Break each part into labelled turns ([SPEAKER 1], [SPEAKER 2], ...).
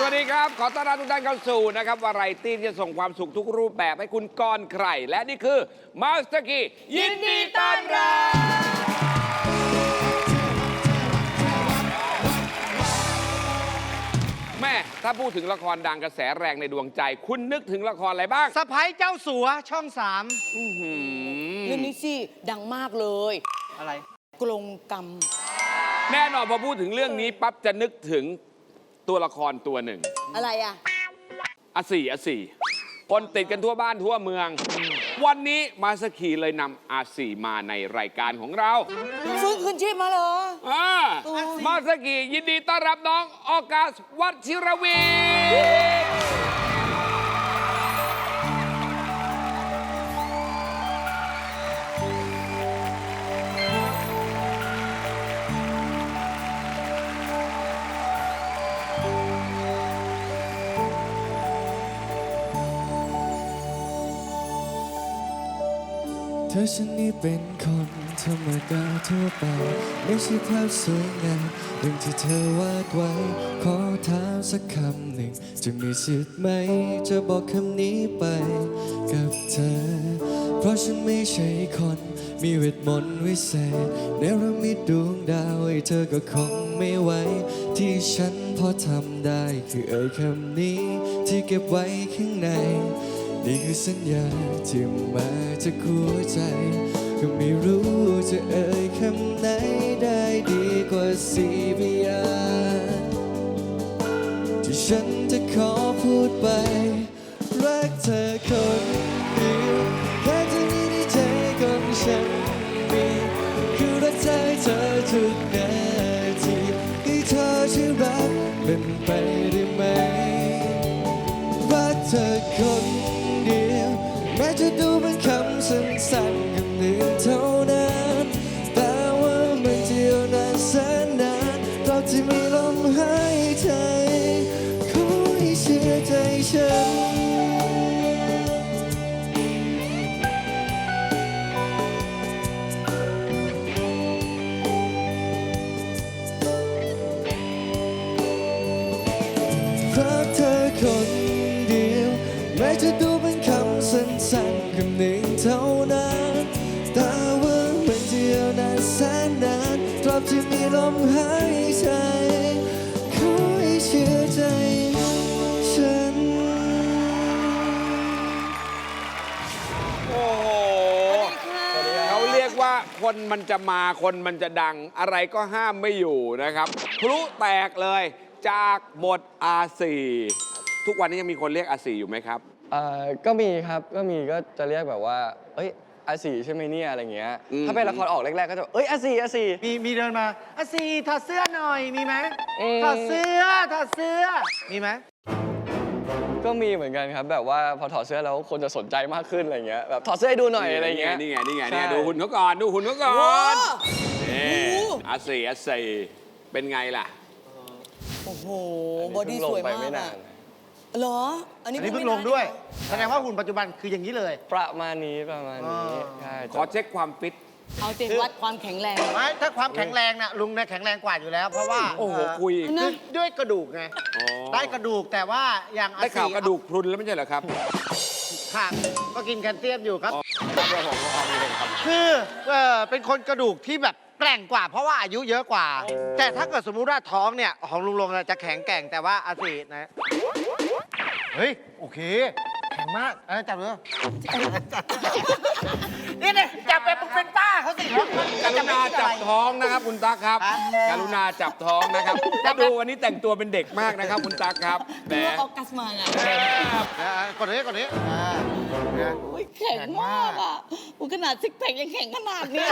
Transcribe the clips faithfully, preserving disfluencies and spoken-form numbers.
[SPEAKER 1] วัสดีครับขอต้อนรับทุกท่านเข้าสู่นะครับวาไรตี้ที่จะส่งความสุขทุกรูปแบบให้คุณก่อนใครและนี่คือมาสเตอร์คียินดีต้อนรับแม่ถ้าพูดถึงละครดังกระแสแรงในดวงใจคุณนึกถึงละครอะไรบ้าง
[SPEAKER 2] สะพ้ายเจ้าสัวช่องสาม
[SPEAKER 3] เรื่องนี้สิดังมากเลย
[SPEAKER 2] อะไร
[SPEAKER 3] กลงกรรม
[SPEAKER 1] แน่นอนพอพูดถึงเรื่องนี้ปั๊บจะนึกถึงตัวละครตัวหนึ่ง
[SPEAKER 3] อะไรอ่ะ
[SPEAKER 1] อาสี่อาสี่คนติดกันทั่วบ้านทั่วเมือง วันนี้มาสกีเลยนำอาสี่มาในรายการของเรา
[SPEAKER 3] ฟื้นคืนชีพมาเหรอ
[SPEAKER 1] อ่ามาสกียินดีต้อนรับน้องออกัสวัชิรวี
[SPEAKER 4] เธอฉันนี่เป็นคนธรรมดาทั่วไปไม่ใช่ภาพสวยงามอย่างที่เธอวาดไว้ขอถามสักคำหนึ่งจะมีสิทธิ์ไหมจะบอกคำนี้ไปกับเธอเพราะฉันไม่ใช่คนมีเวทมนต์วิเศษเนรมิตดวงดาวให้เธอก็คงไม่ไหวที่ฉันพอทำได้คือเอ่ยคำนี้ที่เก็บไว้ข้างในนี่คือสัญญาที่มาจากหัวใจก็ไม่รู้จะเอ่ยคำไหนได้ดีกว่าสี่พยางค์ที่ฉันจะขอพูดไปรักเธอคนเดียวแค่เท่านี้ในใจของฉันมีคือรักเธอเธอทุกนาทีให้เธอช่วยรักเป็นไปได้ไหมรักเธอคนแม้จะดูเป็นคำสั้นๆคำหนึ่งเท่านั้นแต่ว่ามันจะยาวนานแสนนานตราบที่มีลมหายใจขอให้เชื่อใจฉันรักเธอคนเดียวแม้จะดูเป็นคำสั้นๆคำหนึ่งเท่านั้นแต่ว่ามันจะยาวนานแสนนานตราบที่มีลมหายใจขอให้เชื่อใจฉัน
[SPEAKER 1] โอ้โหเขาเรียกว่าคนมันจะมาคนมันจะดังอะไรก็ห้ามไม่อยู่นะครับพลุแตกเลยจากบทอาสี่ทุกวันนี้ยังมีคนเรียกอาสี่อยู่ไหมครับ
[SPEAKER 4] เอ่อก็มีครับก็มีก็จะเรียกแบบว่าเอ้ยอาสีใช่ไหมเนี่ยอะไรเงี้ยถ้าเป็นละครออกแรกๆก็จะเอ้ยอาสีอาสี
[SPEAKER 2] มีมีเดินมาอาซีถอดเสื้อหน่อยมีไหมถอดเสื้อถอดเสื้อมีไหม
[SPEAKER 4] ก็มีเหมือนกันครับแบบว่าพอถอดเสื้อแล้วคนจะสนใจมากขึ้นอะไรเงี้ยแบบถอดเสื้อให้ดูหน่อยอะไรเงี้ย
[SPEAKER 1] นี่ไงนี่ไงนี่ไงดูหุ่นเขาก่อนดูหุ่นเขาก่อนนี่อาสี่อาสี่เป็นไงล่ะ
[SPEAKER 3] โอ้โหบอดี้สวยมากอะเหรออันนี้
[SPEAKER 2] เพิ่งลงด้วยแสดงว่าหุ่นปัจจุบันคืออย่างนี้เลย
[SPEAKER 4] ประมาณนี้ประมาณนี้ใช่
[SPEAKER 1] ขอเช็คความฟิต
[SPEAKER 3] เอาเต็มวัดความแข็งแรง
[SPEAKER 2] ไม่ถ้าความแข็งแรงน่ะลุงเนี่ยแข็งแรงกว่าอยู่แล้วเพราะว่า
[SPEAKER 1] โอ้โหคุย
[SPEAKER 2] ด้วยกระดูกไงได้กระดูกแต่ว่าอย่าง
[SPEAKER 1] ได้ข่าวกระดูกพรุนแล้วไม่ใช่เหรอครับ
[SPEAKER 2] ค่ะก็กินแคลเซียมอยู่ครับคือเป็นคนกระดูกที่แบบแกร่งกว่าเพราะว่าอายุเยอะกว่าแต่ถ้าเกิดสมมุติว่าท้องเนี่ยของลุงลงจะแข็งแกร่งแต่ว่าอาศีนะเฮ้ยโอเคแข็งมากอะไรจับเลยนี่เนี่ยจับไปเป็นป้าเขาสิ
[SPEAKER 1] กรุณาจับท้องนะครับคุณตั๊กครับกรุณาจับท้องนะครับถ้าดูวันนี้แต่งตัวเป็นเด็กมากนะครับคุณตั๊กครับ
[SPEAKER 3] แหมออกัสมาไง
[SPEAKER 2] กดนี้กดนี้
[SPEAKER 3] แข็งมากอ่ะขนาดซิกแพคยังแข็งขนาดนี้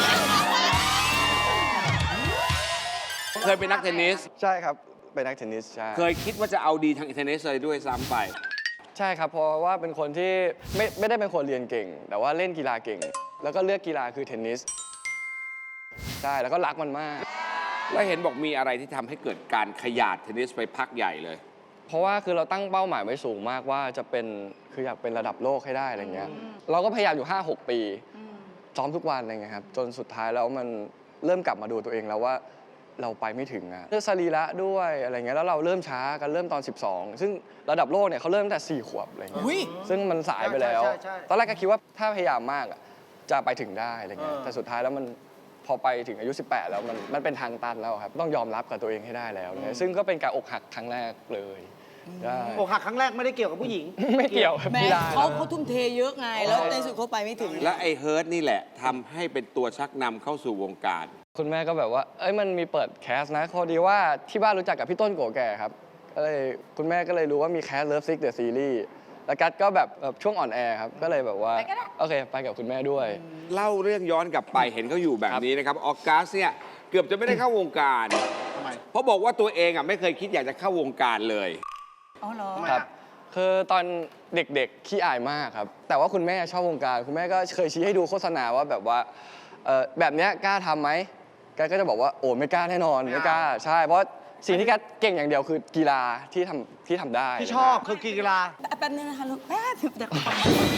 [SPEAKER 1] เคยเป็นนักเทนนิส
[SPEAKER 4] ใช่ครับเป็นนักเทนนิสใช่
[SPEAKER 1] เคยคิดว่าจะเอาดีทางเทนนิสเลยด้วยซ้ำไป
[SPEAKER 4] ใช่ครับเพราะว่าเป็นคนที่ไม่ไม่ได้เป็นคนเรียนเก่งแต่ว่าเล่นกีฬาเก่งแล้วก็เลือกกีฬาคือเทนนิสใช่แล้วก็รักมันมาก
[SPEAKER 1] แล้วเห็นบอกมีอะไรที่ทำให้เกิดการขยาดเทนนิสไปพักใหญ่เลย
[SPEAKER 4] เพราะว่าคือเราตั้งเป้าหมายไว้สูงมากว่าจะเป็นคืออยากเป็นระดับโลกให้ได้อะไรเงี้ยเราก็พยายามอยู่ ห้าหก ปีซ้อมทุกวันอะไรเงี้ยครับจนสุดท้ายแล้วมันเริ่มกลับมาดูตัวเองแล้วว่า
[SPEAKER 5] เราไปไม่ถึงอะเรื่องสรีระด้วยอะไรเงี้ยแล้วเราเริ่มช้ากันเริ่มตอน สิบสอง ซึ่งระดับโลกเนี่ยเขาเริ่มตั้งแต่สี่ขวบอะไรเงี้ย
[SPEAKER 3] อุ้ย
[SPEAKER 5] ซึ่งมันสายไปแล้ว
[SPEAKER 2] ใช่ใช่ใช่
[SPEAKER 5] ตอนแรกก็คิดว่าถ้าพยายามมากอะจะไปถึงได้อะไรเงี้ย
[SPEAKER 2] เออ
[SPEAKER 5] แต่สุดท้ายแล้วมันพอไปถึงอายุ สิบแปด แล้วมันมันเป็นทางตันแล้วครับต้องยอมรับกับตัวเองให้ได้แล้วเนี่ยซึ่งก็เป็นการอกหักครั้งแรกเลยได้
[SPEAKER 2] อกหักครั้งแรกไม่ได้เกี่ยวกับผู้หญิง
[SPEAKER 5] ไม่เกี่ยวครับ
[SPEAKER 3] แม่
[SPEAKER 5] พี่ได้
[SPEAKER 3] เขาเขาทุ่มเทเยอะไง แล้วในสุดเขาไปไม่ถึง
[SPEAKER 1] และไอ้เฮิร์ตนี่แหละทำให้เป็นตัวชักนำเข้าสู่วงการ
[SPEAKER 5] คุณแม่ก็แบบว่า เอ้ย มันมีเปิดแคสนะพอดีว่าที่บ้านรู้จักกับพี่ต้นโกแก่ครับก็เลยคุณแม่ก็เลยรู้ว่ามีแคส Love Sick The Series แล้วกัดก็แบบแบบช่วงอ่อนแอครับ ก็เลยแบบว่า โอเค ไปกับคุณแม่ด้วย
[SPEAKER 1] เล่าเรื่องย้อนกลับไปเห็นเขาอยู่แบบนี้นะครับ ออกัสเนี่ยเกือบจะไม่ได้เข้าวงการ
[SPEAKER 2] ทำไม
[SPEAKER 1] เพราะบอกว่าตัวเองอ่ะไม่เคยคิดอยากจะเข้าวงการเลย
[SPEAKER 3] อ๋อเหรอ
[SPEAKER 5] ครับ คือตอนเด็กๆขี้อายมากครับ แต่ว่าคุณแม่ชอบวงการ คุณแม่ก็เคยชี้ให้ดูโฆษณาว่าแบบว่าเอ่อแบบเนี้ยกล้าทำไหมแกก็จะบอกว่าโอ้ไม่กล้าแน่นอนไม่กล้า ใช่ เพราะสิ่งที่แกเก่งอย่างเดียวคือกีฬาที่ทำที่ทำได้
[SPEAKER 2] ที่ชอบคือกีฬา
[SPEAKER 3] แป๊บนึงนะคะลูกแป๊บเดี๋ยวก่อน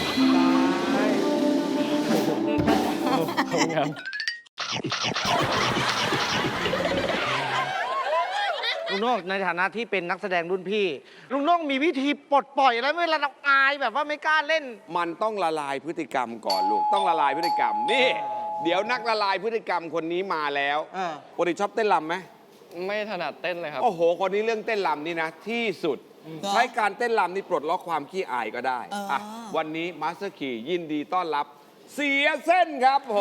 [SPEAKER 5] ครับ
[SPEAKER 2] ลุงโน่งในฐานะที่เป็นนักแสดงรุ่นพี่ ลุงโน่งมีวิธีปลดปล่อยอะไรเวลาเราอายแบบว่าไม่กล้าเล่น
[SPEAKER 1] มันต้องละลายพฤติกรรมก่อนลูก ต้องละลายพฤติกรรม นี่ เดี๋ยวนักละลายพฤติกรรมคนนี้มาแล้ว
[SPEAKER 2] เออ
[SPEAKER 1] ปกติชอบเต้นรำไหม
[SPEAKER 5] ไม่ถนัดเต้นเลยครับ
[SPEAKER 1] โอ้โห คนนี้เรื่องเต้นรำนี่นะ ที่สุด ใช้การเต้นรำนี่ปลดล็อกความขี้อายก็ได้อ่ะวันนี้มาสเตอร์คียินดีต้อนรับ เสียเส้นครับผม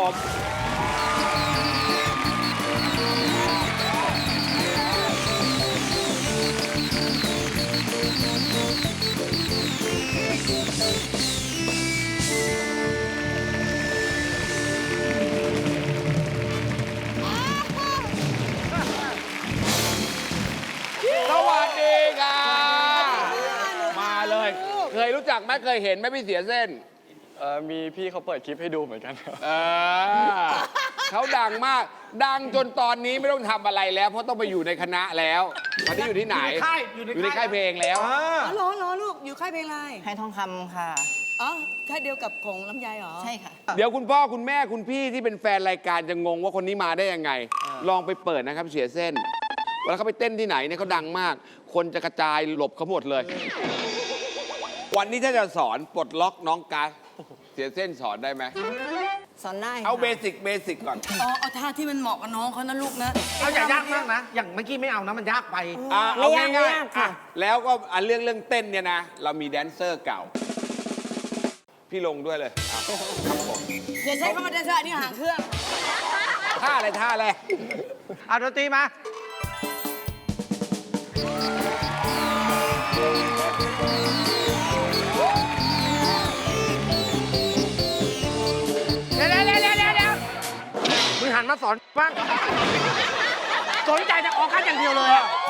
[SPEAKER 1] สวัสดีค่ะมาเลย เคยรู้จักไหมเคยเห็นไหมพี่เสียเส้น
[SPEAKER 5] เอ่อมีพี่เขาเปิดคลิปให้ดูเหมือนกันครับ
[SPEAKER 1] เออเขาดังมาก ดังจนตอนนี้ไม่ต้องทำอะไรแล้ว เพราะต้องไปอยู่ในคณะแล้วตอนนี้อยู่ที่ไหน
[SPEAKER 2] อยู่ในค่ายอยู่ในค่าย
[SPEAKER 1] ค่ายเพลงแล้ว
[SPEAKER 2] อ่า
[SPEAKER 3] อ๋อเหรอเหรอลูก อยู่ค่ายเพลงอะไร
[SPEAKER 6] ให้ทองคำค่ะ
[SPEAKER 3] อ๋อ ค่ายเดียวกับของลำไยเหรอ
[SPEAKER 6] ใช่ค่ะ
[SPEAKER 1] เดี๋ยวคุณพ่อคุณแม่คุณพี่ที่เป็นแฟนรายการจะงงว่าคนนี้มาได้ยังไง ลองไปเปิดนะครับเสียเส้นเวลาเขาไปเต้นที่ไหนเนี่ยเขาดังมาก คนจะกระจายหลบเขาหมดเลย วันนี้ถ้าจะสอนปลดล็อกน้องกัสเสียเส้นสอนได้ไหม
[SPEAKER 6] สอนได้
[SPEAKER 1] เอา
[SPEAKER 6] ค่ะ
[SPEAKER 1] เบสิกเบสิกก่อน
[SPEAKER 3] อ๋อ เอาท่าที่มันเหมาะกับน้องเขานะลูกนะ
[SPEAKER 2] เอาอย่ายากมากนะ อย่างเมื่อกี้ไม่เอานะ มันยากไป
[SPEAKER 1] อ่ะ
[SPEAKER 6] ไม่
[SPEAKER 1] เอา
[SPEAKER 6] ยาก
[SPEAKER 1] ง่าย
[SPEAKER 6] ไม่ยาก
[SPEAKER 1] ๆ
[SPEAKER 6] ค่ะ
[SPEAKER 1] อ่ะแล้วก็อันเรื่องเรื่องเต้นเนี่ยนะ เรามีแดนเซอร์เก่า พี่ลงด้วยเลยอ่ะครับผม
[SPEAKER 3] อย่าใช้คำว่าเดชะนี่ห่างเครื่อง
[SPEAKER 1] ท่าอะไรท่าอะไร
[SPEAKER 2] เอาดนตรีมา เดี๋ยวเดี๋ยวเดี๋ยวเดี๋ยวเดี๋ยวมึงหันมาสอนบ้าง สนใจจะออกกันอย่างเดียวเลยอะ